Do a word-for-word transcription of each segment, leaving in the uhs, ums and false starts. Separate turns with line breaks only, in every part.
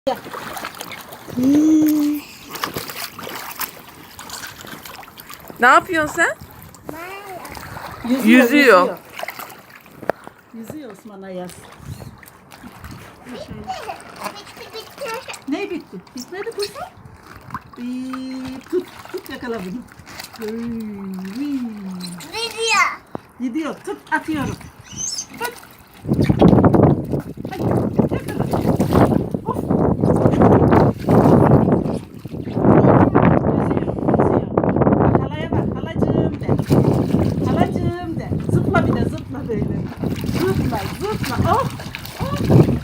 Hmm.
Ne yapıyorsun sen?
Yüzüyor.
Yüzüyor.
Yüzüyor, yüzüyor Osman Ayaz.
Bitti bitti.
Ne bitti? Bitmedi kuzum. Ee, tut, tut yakala bunu. Ee,
Video.
Gidiyor, tut atıyorum. Tut. Hadi, yakala. Of. Yüzüyor, yüzüyor. Bak halaya bak, halacığım de. Halacığım de. Zıpla bir de, zıpla böyle. Zıpla, zıpla. Oh, oh.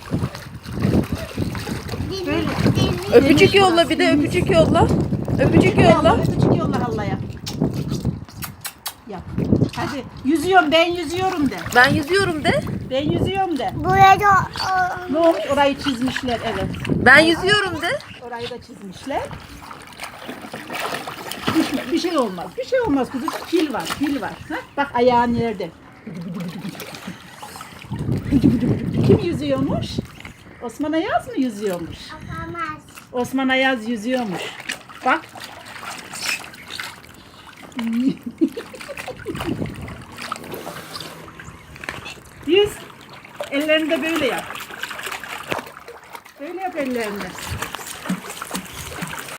Böyle.
Öpücük yolla bir de öpücük yolla. Öpücük yolla.
Öpücük yolla hallaya. Yap. Hadi. Yüzüyorum, ben yüzüyorum de.
Ben yüzüyorum de.
Ben yüzüyorum de.
Burada
Ne olmuş? Orayı çizmişler, evet.
Ben yüzüyorum de.
Orayı da çizmişler. Düşme, bir şey olmaz. Bir şey olmaz kızım. Fil var, fil var. Ha? Bak ayağın nerede? Kim yüzüyormuş? Osman Ayaz mı yüzüyormuş?
yapamaz.
Osman Ayaz yüzüyormuş. Bak. Yüz. Ellerini de böyle yap. Böyle yap ellerini.